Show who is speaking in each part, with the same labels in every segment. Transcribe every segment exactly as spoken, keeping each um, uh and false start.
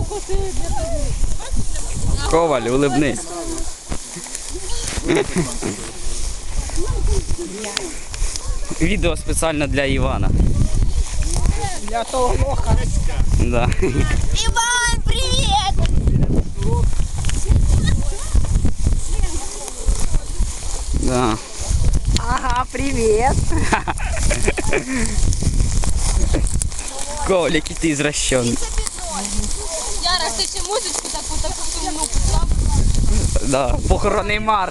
Speaker 1: Коваль, улыбнись. Відео спеціально для Івана.
Speaker 2: Для того лоха.
Speaker 1: Да.
Speaker 3: Иван, привет!
Speaker 1: Да.
Speaker 2: Ага, привет.
Speaker 1: Коваль, який ти извращений.
Speaker 3: Яра, ти ще музичку таку, таку сумну писав?
Speaker 1: Да. Похоронний марш.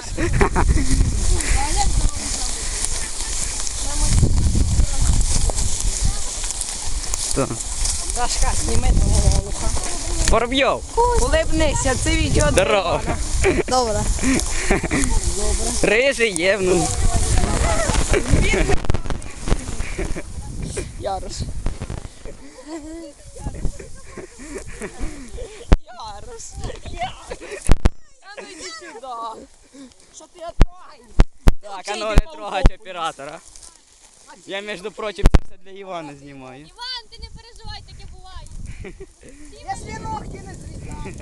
Speaker 1: Так.
Speaker 2: Сашка, сніми того лоха.
Speaker 1: Воробйов,
Speaker 2: Улибнися, це відео.
Speaker 1: здорово.
Speaker 2: Добре.
Speaker 1: Рижий є, ну.
Speaker 2: Ярос. Ярос. А ну йди сюди. Що ти отрогай?
Speaker 1: Так, а ну не трогать оператора. Я, між прочим, це все для Івана знімаю.
Speaker 3: Іван, ти не переживай, таке буває.
Speaker 2: Якщо ногті не зрізати.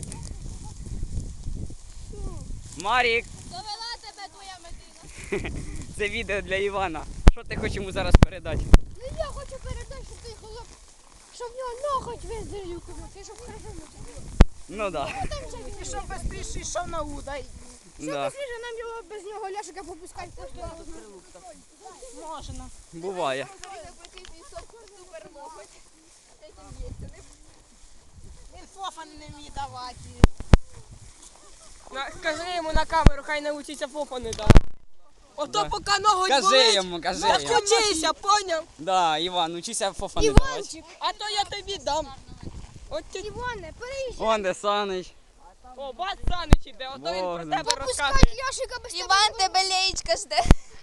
Speaker 1: Марік,
Speaker 3: Довела тебе твоя медина.
Speaker 1: це відео для Івана. Що ти хочеш йому зараз передати?
Speaker 3: Ну я хочу передати, щоб той хлоп, щоб в нього ноготь виздерів, і щоб хорошо не
Speaker 1: Ну да.
Speaker 2: І щоб швидше йшов на удай.
Speaker 1: Да.
Speaker 3: Сліже нам його без нього ляшика попускати.
Speaker 2: Можна.
Speaker 1: Буває.
Speaker 2: Він фофан не вміє давати. Скажи йому на камеру, хай навчиться фофани давати. Ото
Speaker 1: Да.
Speaker 2: поки ноготь
Speaker 1: Кажи
Speaker 2: болить,
Speaker 1: йому, кажи
Speaker 2: так
Speaker 1: йому.
Speaker 2: вчися, поняв?
Speaker 1: Да, Іван, учися фофа не давати.
Speaker 2: А то я тобі дам. От ти...
Speaker 3: Іване, переїжджай.
Speaker 1: Вон де Санич.
Speaker 2: О, бац Санич іде, ото він про
Speaker 1: Богдан.
Speaker 2: тебе
Speaker 3: Попускай
Speaker 2: розказує.
Speaker 3: Яшика без тебе. Іван, тебе леєчка жде.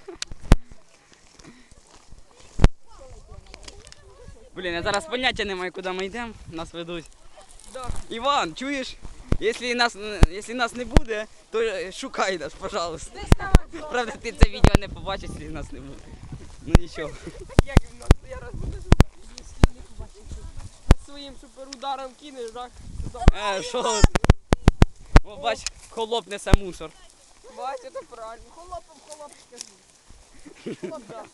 Speaker 1: Блін, я зараз поняття не маю, куди ми йдемо. Нас ведуть.
Speaker 2: Да.
Speaker 1: Іван, чуєш? Якщо нас, якщо нас не буде, то шукай нас, пожалуйста. Правда, ти це відео не побачиш, якщо нас не буде. Ну нічого.
Speaker 2: Як він нас, я раз буду якщо не побачив. Своїм суперударом кинеш, так?
Speaker 1: Е, що? О, бач, холоп несе мусор.
Speaker 2: Бач, це правильно. Холопом холоп скажи. Холоп, да.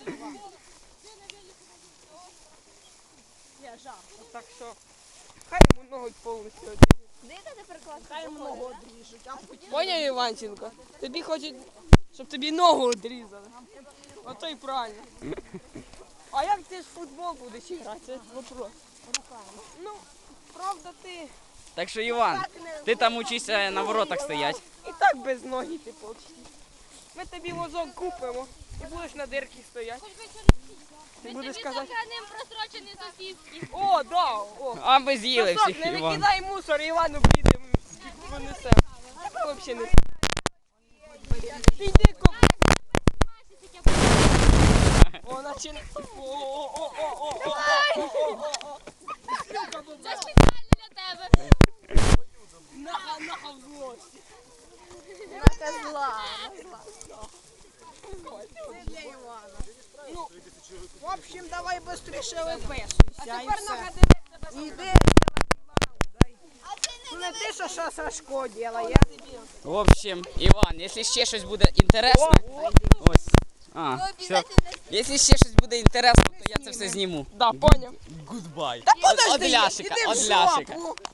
Speaker 2: Я жах. Так що, хай йому ноготь повністю одріжуть.
Speaker 3: Де ти приклад?
Speaker 2: Хай йому ногу одріжуть. Поняв, Іванченко? Тобі хочуть, щоб тобі ногу одрізали. Ото й правильно. А як ти ж в футбол будеш грати? Це вопрос. Ну, правда ти
Speaker 1: Так що, Іван, ти там учишся на воротах стоять.
Speaker 2: і так без ноги ти почти. Ми тобі возок купимо і будеш на дирці стояти. Ти будеш казати,
Speaker 3: ним просрочені сосиски.
Speaker 2: о, да, о.
Speaker 1: А ми з'їли
Speaker 2: Сосок,
Speaker 1: всіх,
Speaker 2: не
Speaker 1: Іван.
Speaker 2: викидай мусор, Івану підемо, понесемо. Взагалі не. Ти йди коп. О, наче. О-о-о-о-о-о-о-о-о-о.
Speaker 3: Це спеціально для тебе.
Speaker 2: Наха, наха в злості.
Speaker 3: На зла.
Speaker 2: Ну, в общем, давай быстріше виписуйся. А тепер нога іди. Не ти, що що Сашко робить.
Speaker 1: В общем, Іван, якщо ще щось буде інтересно, ось. А, все. Якщо ще щось буде інтересно, то я це все зніму.
Speaker 2: Да, поняв.
Speaker 1: Goodbye.
Speaker 2: Та
Speaker 1: От
Speaker 2: подожди,
Speaker 1: ляшика,
Speaker 2: іди в
Speaker 1: от ляшика.
Speaker 2: жопу.